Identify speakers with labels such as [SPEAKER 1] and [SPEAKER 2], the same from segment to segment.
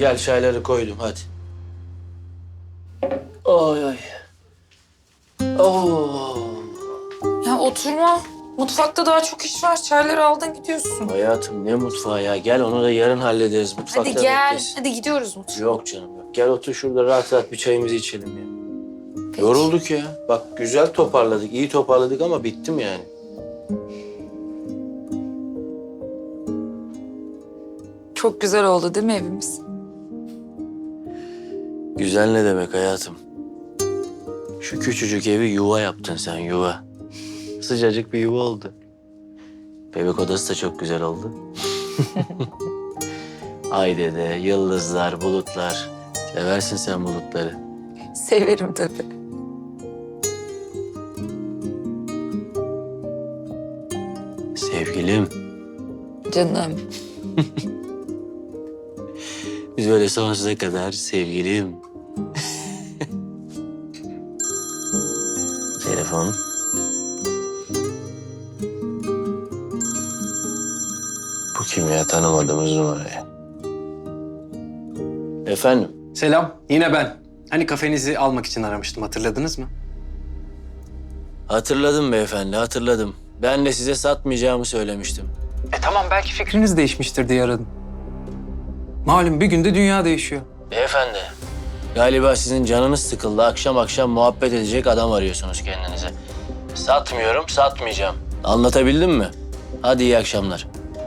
[SPEAKER 1] gel çayları koydum hadi. Ay ay. Oo.
[SPEAKER 2] Ya oturma. Mutfakta daha çok iş var. Çayları aldın gidiyorsun.
[SPEAKER 1] Hayatım ne mutfağı ya. Gel onu da yarın hallederiz. Mutfakta
[SPEAKER 2] Hadi gel.
[SPEAKER 1] bekleriz.
[SPEAKER 2] Hadi gidiyoruz mutfağa.
[SPEAKER 1] Yok canım yok. Gel otur şurada rahat rahat bir çayımızı içelim ya.
[SPEAKER 2] Peki.
[SPEAKER 1] Yorulduk ya. Bak güzel toparladık, iyi toparladık ama bittim yani.
[SPEAKER 2] Çok güzel oldu değil mi evimiz?
[SPEAKER 1] Güzel ne demek hayatım? Şu küçücük evi yuva yaptın sen, yuva. Sıcacık bir yuva oldu. Bebek odası da çok güzel oldu. Ay dede, yıldızlar, bulutlar. Seversin sen bulutları.
[SPEAKER 2] Severim tabii.
[SPEAKER 1] Sevgilim,
[SPEAKER 2] Canım.
[SPEAKER 1] biz böyle sonsuza kadar sevgilim. Telefon. Bu kim ya? Tanımadığımız numara ya. Efendim?
[SPEAKER 3] Selam, yine ben. Hani kafenizi almak için aramıştım, hatırladınız mı?
[SPEAKER 1] Hatırladım beyefendi, hatırladım. Ben de size satmayacağımı söylemiştim.
[SPEAKER 3] Tamam, belki fikriniz değişmiştir diye aradım. Malum bir günde dünya değişiyor.
[SPEAKER 1] Beyefendi, galiba sizin canınız sıkıldı. Akşam akşam muhabbet edecek adam arıyorsunuz kendinize. Satmıyorum, satmayacağım. Anlatabildim mi? Hadi iyi akşamlar.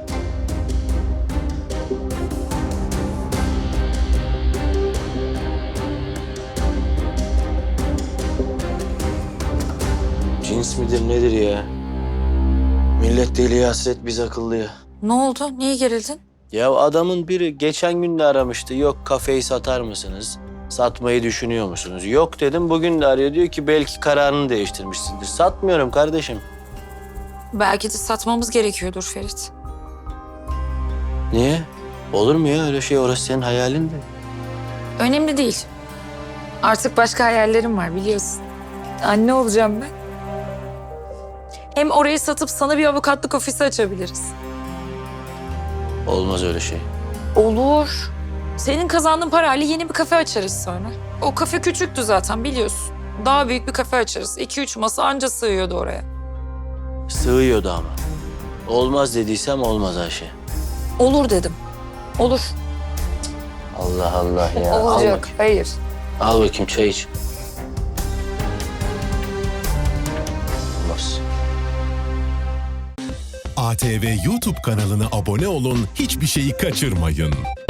[SPEAKER 1] Cins midir nedir ya? Millet deliye hasret, biz akıllıya.
[SPEAKER 2] Ne oldu? Niye gerildin?
[SPEAKER 1] Ya adamın biri geçen gün de aramıştı. Yok kafeyi satar mısınız? Satmayı düşünüyor musunuz? Yok dedim. Bugün de arıyor. Diyor ki belki kararını değiştirmişsindir. Satmıyorum kardeşim.
[SPEAKER 2] Belki de satmamız gerekiyordur Ferit.
[SPEAKER 1] Niye? Olur mu ya öyle şey? Orası senin hayalin de.
[SPEAKER 2] Önemli değil. Artık başka hayallerim var biliyorsun. Anne olacağım ben. Hem orayı satıp sana bir avukatlık ofisi açabiliriz.
[SPEAKER 1] Olmaz öyle şey.
[SPEAKER 2] Olur. Senin kazandığın parayla yeni bir kafe açarız sonra. O kafe küçüktü zaten biliyorsun. Daha büyük bir kafe açarız. 2-3 masa anca sığıyordu oraya.
[SPEAKER 1] Sığıyordu ama. Olmaz dediysem olmaz Ayşe.
[SPEAKER 2] Olur dedim. Olur.
[SPEAKER 1] Allah Allah ya. Al
[SPEAKER 2] Olacak.
[SPEAKER 1] bakayım.
[SPEAKER 2] Hayır.
[SPEAKER 1] Al bakayım çay iç. Olmaz.
[SPEAKER 4] ATV YouTube kanalına abone olun, hiçbir şeyi kaçırmayın.